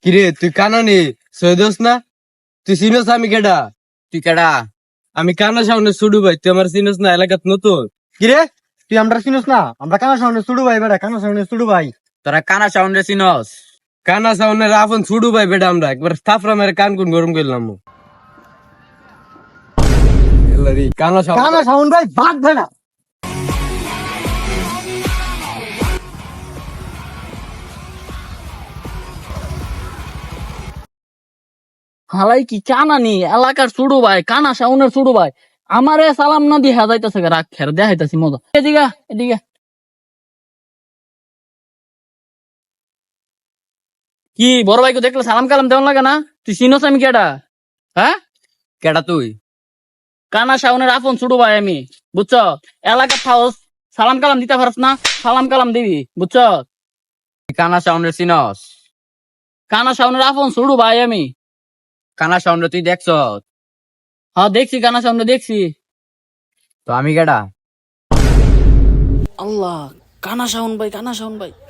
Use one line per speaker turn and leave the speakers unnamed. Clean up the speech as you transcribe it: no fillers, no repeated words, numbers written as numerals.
কিরে তুই কানানি সৈদোস না? তুই চিনস আমি কেডা?
তুই কেডা?
আমি কানা সামনে ছুডু ভাই, তুই আমার চিনস না? এলাকাত নতুন।
কিরে তুই আমরা চিনস না? আমরা কানা সামনে ছুড়ু ভাই বেড়া, কানা সামনে ছুড়ু ভাই।
তোরা কানা সাউন্ডে চিনস?
কানা সামনে রাফন ছুডু ভাই বেডা, আমরা একবার থাপড়া মেরে কান কোন গরম করলাম। কানা সামনে
কানা সাউন্ড ভাই বাদ বেড়া।
হালাই কি কানানি এলাকার ছোট ভাই, কানা শাউনের ছোট ভাই, আমারে সালাম না দিয়ে যাইতেছে, রাগ খের দেখাইতাছি মজা। এদিকে এদিকে কি বড় ভাইকে দেখলে সালাম কালাম দেওয়ান লাগে না? তুই চিনস আমি কেডা? হ্যাঁ,
কেডা তুই?
কানা শাউনের আপন ছোট ভাই আমি, বুঝছ? এলাকার থাউস সালাম কালাম দিতে পারস না, সালাম কালাম দিবি, বুঝছ?
তুই কানা সাউন্ডে চিনস?
কানা শাউনের আপন ছোট ভাই আমি।
কানা সাউন্ডে তুই দেখছ?
হ্যাঁ দেখছি, কানা শাউনে দেখছি।
তো আমি কেডা?
আল্লাহ, কানা শাউন ভাই, কানা শাউন ভাই।